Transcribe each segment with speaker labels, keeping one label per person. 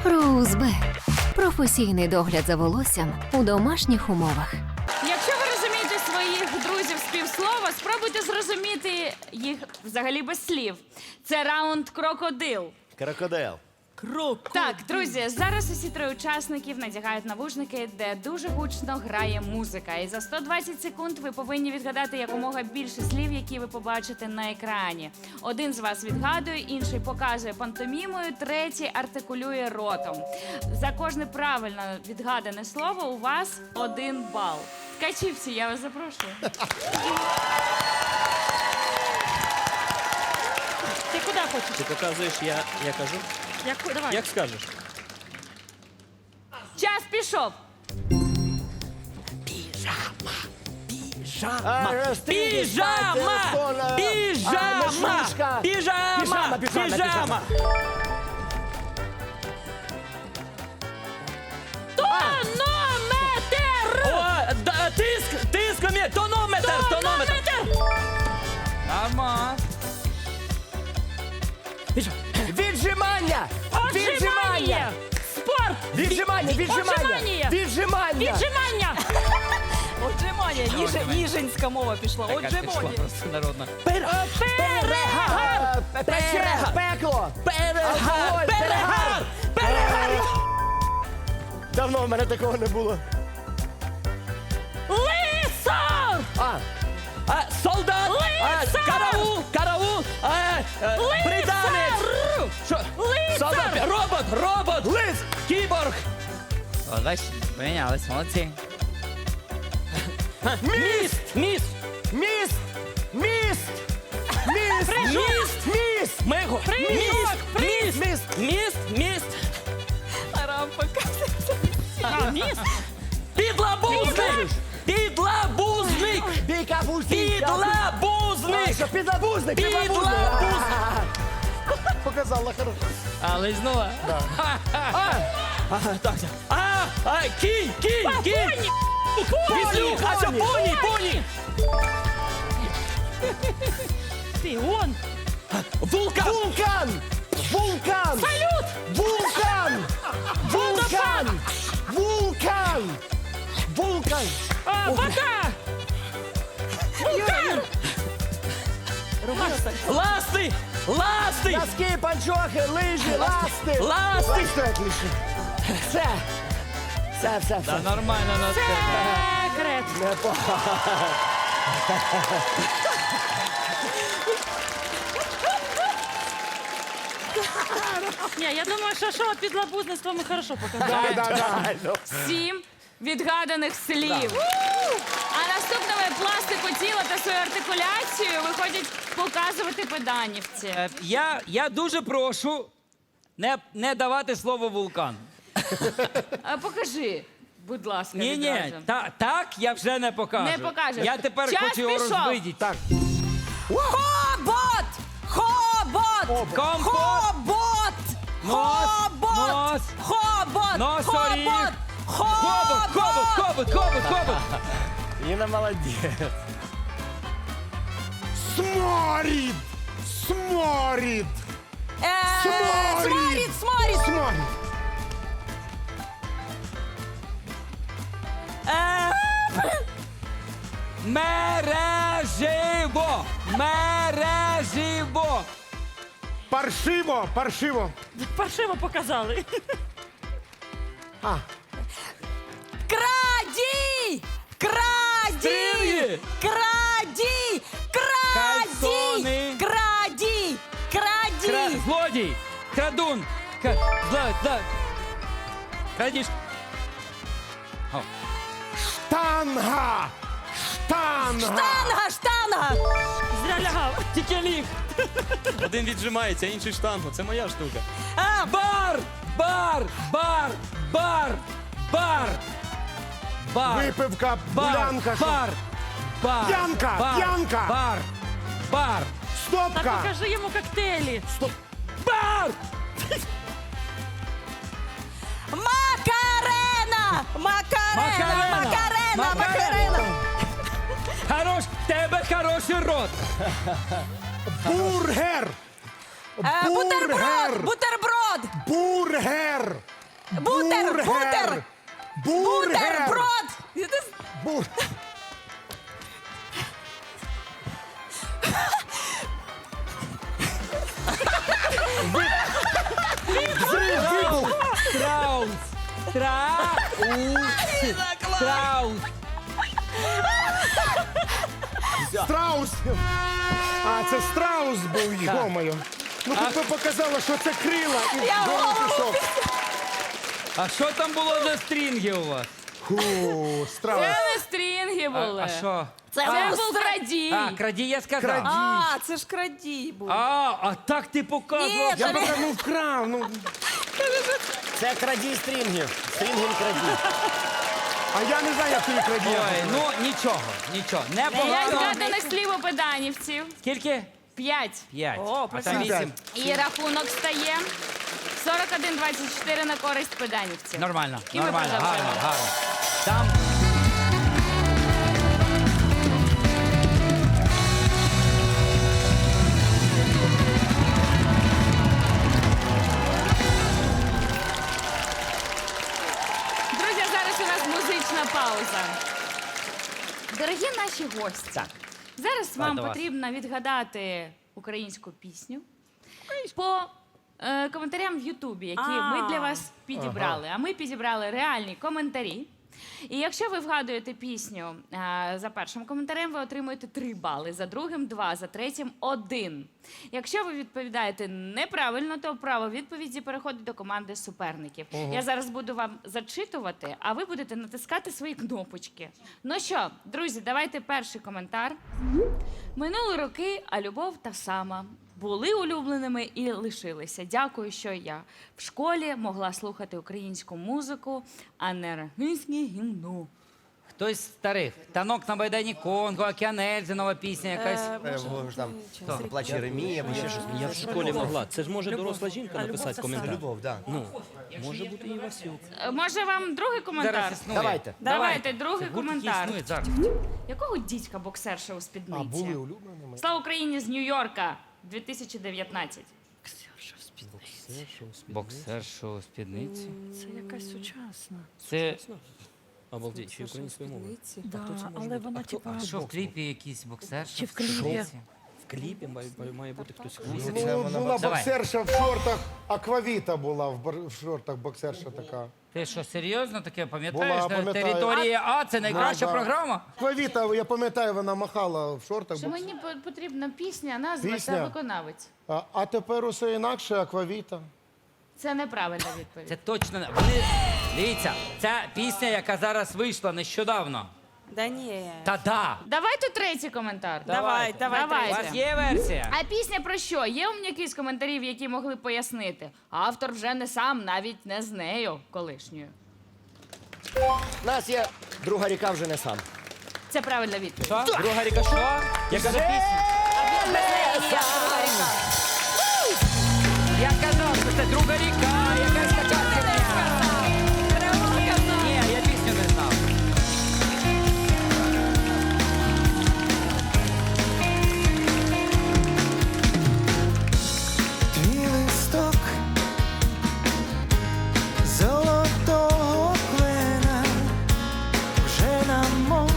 Speaker 1: Роузбе. Професійний догляд за волоссям у домашніх умовах.
Speaker 2: Якщо ви розумієте своїх друзів з півслова, спробуйте зрозуміти їх взагалі без слів. Це раунд крокодил.
Speaker 3: Крокодил.
Speaker 2: Так, друзі, зараз усі три учасників надягають навушники, де дуже гучно грає музика. І за 120 секунд ви повинні відгадати якомога більше слів, які ви побачите на екрані. Один з вас відгадує, інший показує пантомімою, третій артикулює ротом. За кожне правильно відгадане слово у вас 1 бал. Ткачівці, я вас запрошую.
Speaker 4: Ти куди хочеш?
Speaker 5: Ти показуєш, я кажу.
Speaker 4: Давай.
Speaker 5: Як скажеш?
Speaker 2: Час пішов.
Speaker 5: Піжама!
Speaker 3: Піжама!
Speaker 5: Піжама! Піжама! Тиск! Тонометр! Ама!
Speaker 3: Віджимання!
Speaker 4: Отжимання! Спорт!
Speaker 3: Віджимання!
Speaker 4: Отжимання!
Speaker 3: Віджимання!
Speaker 4: Віджимання! Отжимання! Ніжинська мова пішла. Отжимання!
Speaker 5: Народна.
Speaker 4: Перегар!
Speaker 3: Пекло!
Speaker 5: Перегар!
Speaker 3: Давно в мене такого не було.
Speaker 4: Лисо!
Speaker 5: Солдат!
Speaker 4: Лицар!
Speaker 5: Караул! Британець! Що? Солдат! Робот!
Speaker 3: Лис!
Speaker 5: Кіборг!
Speaker 6: О, бачиш, помінялись, молодці.
Speaker 5: Міст!
Speaker 3: Міст!
Speaker 5: Мего! Міст!
Speaker 4: Рампа. Міст!
Speaker 5: Підлабузник!
Speaker 3: Підлабузник! Показала хорошо.
Speaker 6: Але знову.
Speaker 5: Кінь! Віслюк! А що, поні!
Speaker 4: Ти, он!
Speaker 5: Вулкан!
Speaker 4: Салют!
Speaker 3: Вулкан!
Speaker 4: Вода! Вулкан!
Speaker 5: Ласти!
Speaker 3: Носки, панчохи, лижі, ласти!
Speaker 5: Ласти!
Speaker 3: як лише. Все.
Speaker 6: Та нормально на це.
Speaker 4: Секрет! Ні, я думаю, що шоу підлабузництво ми хорошо показали.
Speaker 2: 7 відгаданих слів. А наступними пластику тіла та свою артикуляцію виходять показувати педанівці.
Speaker 6: Я дуже прошу не давати слово вулкан.
Speaker 2: Покажи, будь ласка,
Speaker 6: Ні,
Speaker 2: відразу.
Speaker 6: так я вже не покажу.
Speaker 2: Не покажеш.
Speaker 6: Я тепер
Speaker 2: Час
Speaker 6: хочу його
Speaker 2: пішов.
Speaker 6: розбидіти.
Speaker 3: Так.
Speaker 4: Хобот! Хобот!
Speaker 6: Нос.
Speaker 4: Хобот!
Speaker 6: Носоріг. Хобот.
Speaker 3: Інна молодець. Сморід!
Speaker 4: Сморід!
Speaker 6: Мереживо.
Speaker 3: Паршиво!
Speaker 4: Паршиво показали.
Speaker 7: Крадій!
Speaker 6: Стрілі. Кальсони.
Speaker 7: Крадій!
Speaker 6: Злодій. Крадун. Крадіж.
Speaker 3: Штанга!
Speaker 7: Штанга!
Speaker 4: Зря лягав.
Speaker 6: Тільки ліг.
Speaker 5: Один віджимається, інший штангу. Це моя штука.
Speaker 6: Бар.
Speaker 3: Випивка, булянка, що? П'янка.
Speaker 6: Бар.
Speaker 4: Так
Speaker 3: Стопка!
Speaker 4: покажи йому коктейлі.
Speaker 6: Бар.
Speaker 7: Макарена!
Speaker 6: Хорош, в тебе хороший рот.
Speaker 3: Бургер!
Speaker 7: Бутерброд!
Speaker 3: Бургер!
Speaker 7: Бутер, бутер, бутерброд.
Speaker 3: Бур... Взрив, вибух!
Speaker 6: Страус. Страус.
Speaker 3: Страус! А, це страус був, йо-моє. Ну, хоч би показала, що це крила і голий пішов.
Speaker 6: А що там було за стрінги у вас?
Speaker 3: Фу, страус.
Speaker 2: Це не стрінги були.
Speaker 6: А що?
Speaker 2: Це був крадій.
Speaker 6: А, крадій я сказав.
Speaker 3: Крадій.
Speaker 7: А, це ж крадій був.
Speaker 6: А так ти показував.
Speaker 7: Ні,
Speaker 3: Я поки ну вкрав, ну.
Speaker 8: Це крадій стрінгів. Стрінгін крадій.
Speaker 3: А я не знаю, як тобі крадій.
Speaker 6: Ой, ну нічого.
Speaker 2: П'ять
Speaker 6: Непогано.
Speaker 2: згаданих слів у педанівців.
Speaker 6: Скільки?
Speaker 2: 5.
Speaker 6: 5.
Speaker 7: О,
Speaker 6: А там 8.
Speaker 2: І рахунок стає 41-24 на користь педанівців.
Speaker 6: Нормально,
Speaker 2: І ми
Speaker 6: нормально,
Speaker 2: продовжуємо.
Speaker 6: гарно. Там
Speaker 2: Друзі, зараз у нас музична пауза. Дорогі наші гості, зараз вам
Speaker 6: до вас.
Speaker 2: потрібно відгадати українську пісню по коментарям в Ютубі, які ми для вас підібрали. А ми підібрали реальні коментарі. І якщо ви вгадуєте пісню за першим коментарем, ви отримуєте 3 бали, за другим 2, за третім 1. Якщо ви відповідаєте неправильно, то право відповіді переходить до команди суперників. Я зараз буду вам зачитувати, а ви будете натискати свої кнопочки. Ну що, друзі, давайте перший коментар. Минули роки, а любов та сама. Були улюбленими і лишилися. Дякую, що я в школі могла слухати українську музику, а не російське гімну.
Speaker 6: хтось з старих. Танок на Майдані Конго, Океан Ельзи, нова пісня якась.
Speaker 8: Там плач Єремія, або ще щось.
Speaker 5: Я в школі могла. Це ж може доросла жінка написати коментар.
Speaker 8: Любов, так.
Speaker 5: Може бути і Васюк.
Speaker 2: Може вам другий коментар?
Speaker 6: Зараз існує.
Speaker 8: Давайте.
Speaker 2: Давайте, другий
Speaker 6: Це гурт, який
Speaker 2: коментар.
Speaker 6: існує зараз.
Speaker 2: Якого дідька боксерша у спідниці?
Speaker 3: А, були улюбленими.
Speaker 2: Слава Україні з Нью-Йорка, 2019.
Speaker 6: Боксер, шоу, спідниці.
Speaker 4: Це якась сучасна.
Speaker 6: Це
Speaker 5: Обалдеть, ще й українською мовою.
Speaker 4: Да, але вона типа.
Speaker 6: а що в кліпі якийсь боксер?
Speaker 4: Чи в кліпі?
Speaker 5: В кліпі має бути хтось.
Speaker 3: Ну, була
Speaker 6: Давай.
Speaker 3: боксерша в шортах, аквавіта була в шортах боксерша така.
Speaker 6: Ти що, серйозно таке пам'ятаєш?
Speaker 3: Була,
Speaker 6: На
Speaker 3: пам'ятаю.
Speaker 6: території А це найкраща
Speaker 3: Да.
Speaker 6: програма?
Speaker 3: Аквавіта, я пам'ятаю, вона махала в шортах.
Speaker 2: Що мені потрібна пісня, назва
Speaker 3: Пісня?
Speaker 2: та виконавець.
Speaker 3: А тепер усе інакше, аквавіта.
Speaker 2: Це неправильна відповідь.
Speaker 6: Це точно не. Вони. Дивіться, ця пісня, яка зараз вийшла нещодавно.
Speaker 7: Да ні.
Speaker 6: Та-да!
Speaker 2: Давайте третій коментар.
Speaker 7: Давай.
Speaker 6: У вас є версія?
Speaker 2: А пісня про що? Є умняки з коментарів, які могли пояснити. Автор вже не сам, навіть не з нею колишньою.
Speaker 8: У нас є друга ріка вже не сам.
Speaker 2: Це правильна відповідь.
Speaker 6: Що? Друга ріка що? Яка за пісня? Я казав, що це друга ріка, якась така херня. Ні, я пісню не знав.
Speaker 9: Твій листок золотого клена вже намов,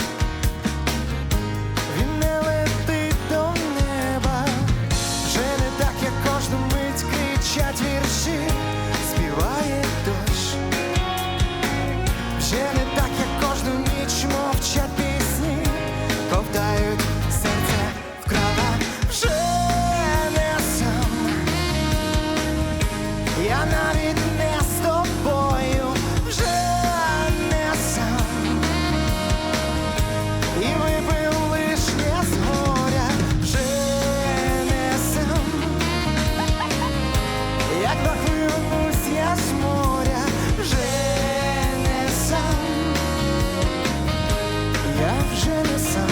Speaker 9: він не летить до неба, вже не так, як кожну мить кричать вірші, співає дощ, вже не так, як кожну ніч мовчать пісні, ковтають серце в кровах, вже не сам. Я навіть не з тобою, вже не сам. І випив лишнє з горя, вже не сам. Як нахилюсь я з моря, вже не сам. Я вже не сам.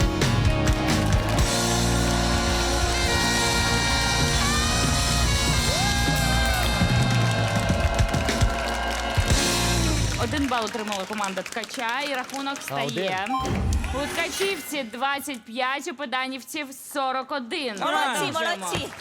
Speaker 2: Один бал отримала команда Ткача, і рахунок стає. У Ткачівці 25, у Педанівців 41.
Speaker 7: Молодці,
Speaker 2: Продовжуємо.
Speaker 7: молодці.